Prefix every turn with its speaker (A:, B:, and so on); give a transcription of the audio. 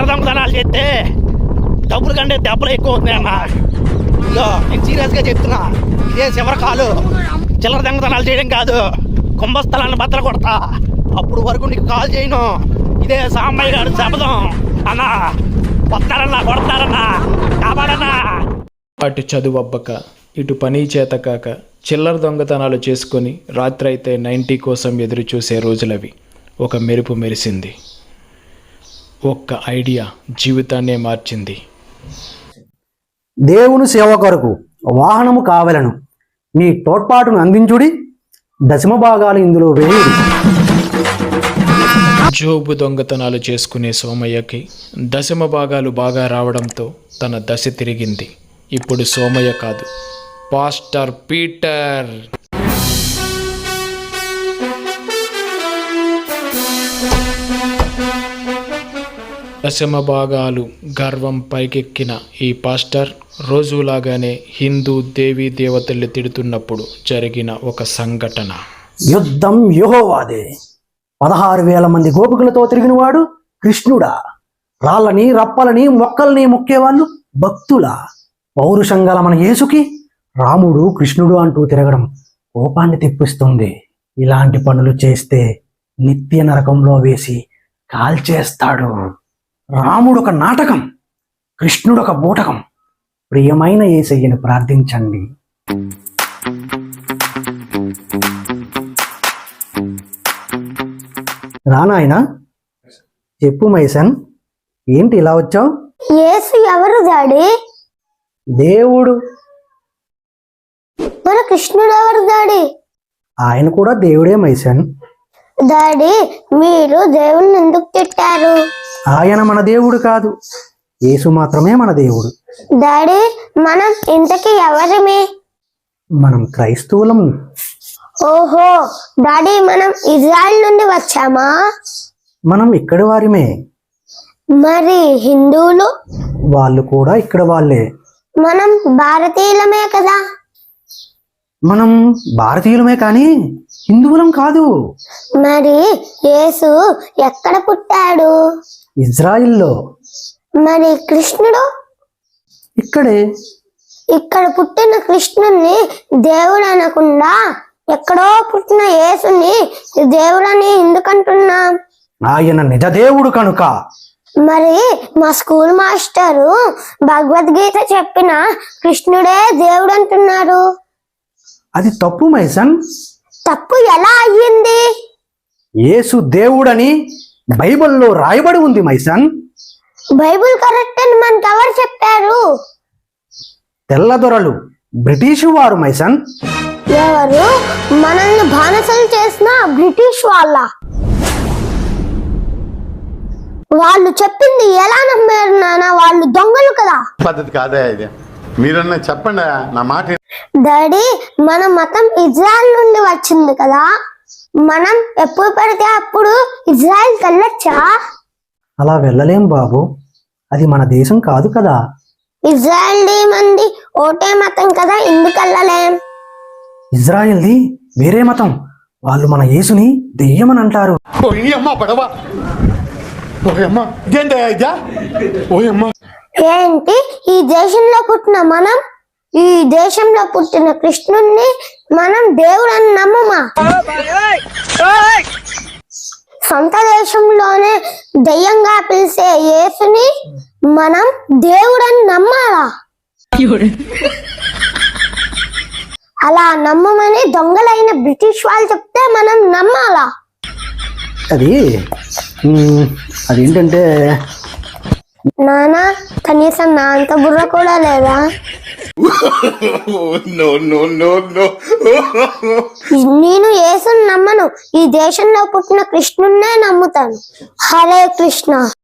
A: చిల్లర దొంగతనాలు చేస్తే డబ్బులు కంటే దెబ్బలు ఎక్కువ అవుతున్నాయి అన్న. ఇదో నేను సీరియస్గా చెప్తున్నా, ఇదే చివరి కాలు. చిల్లర దొంగతనాలు చేయడం కాదు, కుంభస్థలాన్ని బద్దలు కొడతా. అప్పుడు వరకు నీకు కాల్ చేయను. ఇదే సాంబయ్య గారు శపథం అన్నా. కొడతారన్నా, కొడతారన్నా, కాపాడన్నా.
B: అటు చదువు అబ్బక, ఇటు పని చేత కాక చిల్లర దొంగతనాలు చేసుకొని రాత్రి అయితే 90 కోసం ఎదురు చూసే రోజులవి. ఒక మెరుపు మెరిసింది. ఒక్క ఐడియా జీవితాన్నే మార్చింది.
C: దేవుని సేవ కొరకు వాహనము కావలను, మీ తోడ్పాటును అందించుడి, దశమ భాగాలు ఇందులో వేయుడి.
B: జోబు దొంగతనాలు చేసుకునే సోమయ్యకి దశమ భాగాలు బాగా రావడంతో తన దశ తిరిగింది. ఇప్పుడు సోమయ్య కాదు, పాస్టర్ పీటర్. దశమ భాగాలు గర్వం పైకెక్కిన ఈ పాస్టర్ రోజులాగానే హిందూ దేవీ దేవతల్ని తిడుతున్నప్పుడు జరిగిన ఒక సంఘటన.
C: యుద్ధం యెహోవాదే. 16,000 మంది గోపికలతో తిరిగినవాడు కృష్ణుడా? రాళ్ళని రప్పలని మొక్కల్ని మొక్కేవాళ్ళు భక్తులా? పౌరుషంగల మన యేసుకి రాముడు కృష్ణుడు అంటూ తిరగడం కోపాన్ని తెప్పిస్తుంది. ఇలాంటి పనులు చేస్తే నిత్య నరకంలో వేసి కాల్చేస్తాడు. రాముడు ఒక నాటకం, కృష్ణుడు ఒక బూటకం. ప్రియమైన యేసయ్యను ప్రార్థించండి. రానాయనా, చెప్పు మైసన్, ఏంటి ఇలా వచ్చావు?
D: యేసు ఎవరు డాడీ?
C: దేవుడు.
D: మన కృష్ణుడు ఎవరు డాడీ?
C: ఆయన కూడా దేవుడే మైసన్.
D: డాడీ, మీరు దేవుణ్ణి ఎందుకు తిట్టారు?
C: ఆయన మన దేవుడు కాదు, యేసు మాత్రమే మన దేవుడు.
D: డాడీ, మనం ఇంతకీ ఎవరిమి?
C: మనం క్రైస్తవులం.
D: ఓహో డాడీ, మనం ఇజ్రాయెల్ నుండి వచ్చామా?
C: మనం ఇక్కడి వారిమే.
D: మరి హిందువులు?
C: వాళ్ళు కూడా ఇక్కడ వాళ్ళే.
D: మనం భారతీయులమే కదా?
C: మనం భారతీయులమే కానీ హిందువులం కాదు.
D: మరి యేసు ఎక్కడ పుట్టాడు?
C: ఇజ్రాయిల్లో.
D: మరి కృష్ణుడు?
C: ఇక్కడే.
D: ఇక్కడ పుట్టిన కృష్ణుణ్ణి దేవుడు అనకుండా ఎక్కడో పుట్టిన యేసుని దేవుడని ఎందుకంటున్నాం?
C: ఆయన నిజ దేవుడు కనుక.
D: మరి మా స్కూల్ మాస్టరు భగవద్గీత చెప్పిన కృష్ణుడే దేవుడు అంటున్నారు.
C: అది తప్పు మైసన్.
D: తప్పు ఎలా అయ్యింది?
C: యేసు దేవుడని బైబిల్లో రాయబడి ఉంది మైసన్.
D: బైబిల్ కరెక్ట్ అని మనకు ఎవరు చెప్పారు?
C: తెల్లదొరలు, బ్రిటిష్ వారు మైసన్.
D: ఎవరు? మనల్ని బానిసలు చేసిన బ్రిటిష్ వాళ్ళు చెప్పింది ఎలా నమ్మారు నాన్న? వాళ్ళు దొంగలు కదా.
E: పద్ధతి కాదా ఇది? మీరన్నా చెప్పండి నా మాట.
D: డాడీ, మన మతం ఇజ్రాయెల్ నుండి వచ్చింది కదా, మనం ఎప్పుడు పడితే అప్పుడు ఇజ్రాయెల్ వెళ్ళొచ్చా?
C: అలా వెళ్ళలేం బాబు, అది మన దేశం కాదు కదా.
D: ఇజ్రాయెల్ మంది ఓటే మతం కదా, ఎందుకు వెళ్ళలేం?
C: ఇజ్రాయెల్ది వేరే మతం. వాళ్ళు మన యేసుని దెయ్యమని అంటారు.
D: ఏంటి, ఈ దేశంలో పుట్టిన మనం, ఈ దేశంలో పుట్టిన కృష్ణుణ్ణి మనం దేవుడని నమ్మమా? సొంత దేశంలోనే దెయ్యంగా పిలిచే యేసుని మనం దేవుడని నమ్మాలా? అలా నమ్మమని దొంగలైన బ్రిటిష్ వాళ్ళు చెప్తే మనం నమ్మాలా?
C: అదేంటంటే
D: నానా, కనీసం నా అంత బుర్ర కూడా లేదా? నేను యేసుని నమ్మను, ఈ దేశంలో పుట్టిన కృష్ణున్నే నమ్ముతాను. హరే కృష్ణ.